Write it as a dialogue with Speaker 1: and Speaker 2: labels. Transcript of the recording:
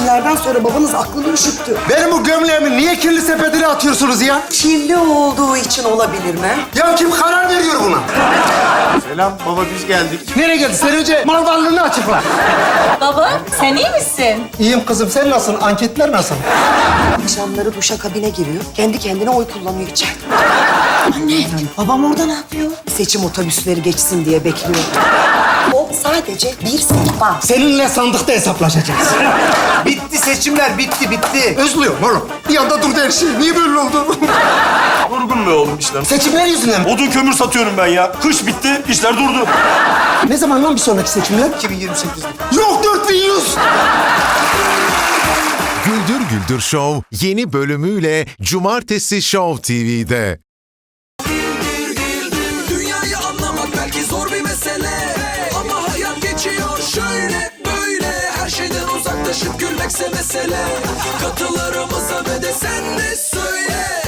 Speaker 1: seçimlerden sonra babanız aklını üşüttü.
Speaker 2: Benim bu gömleğimi niye kirli sepetine atıyorsunuz ya?
Speaker 1: Kirli olduğu için olabilir mi?
Speaker 2: Ya kim karar veriyor buna?
Speaker 3: Selam baba, biz geldik.
Speaker 2: Nereye geldi? Sen önce mal varlığını açıkla.
Speaker 4: Baba, sen iyi misin?
Speaker 2: İyiyim kızım, sen nasılsın? Anketler nasıl?
Speaker 1: Akşamları duşa kabine giriyor. Kendi kendine oy kullanıyor içeride. Anne, babam orada ne yapıyor? Seçim otobüsleri geçsin diye bekliyor. O sadece bir sehpa.
Speaker 2: Seninle sandıkta hesaplaşacağız.
Speaker 3: Bitti seçimler, bitti.
Speaker 2: Özlüyorum oğlum. Bir anda durdu her şey. Niye böyle oldu?
Speaker 5: Durgun be oğlum işler.
Speaker 2: Seçimler yüzünden mi?
Speaker 5: Odun kömür satıyorum ben ya. Kış bitti, işler durdu.
Speaker 2: Ne zaman lan bir sonraki seçimler?
Speaker 3: 2028'de.
Speaker 2: Yok 4100.
Speaker 6: Güldür Güldür Show yeni bölümüyle Cumartesi Show TV'de.
Speaker 7: Dünyayı anlamak belki zor bir mesele, ama hayat geçiyor şöyle böyle. Her şeyden uzaklaşıp gülmekse mesele. Katılarımıza ve de sen de söyle.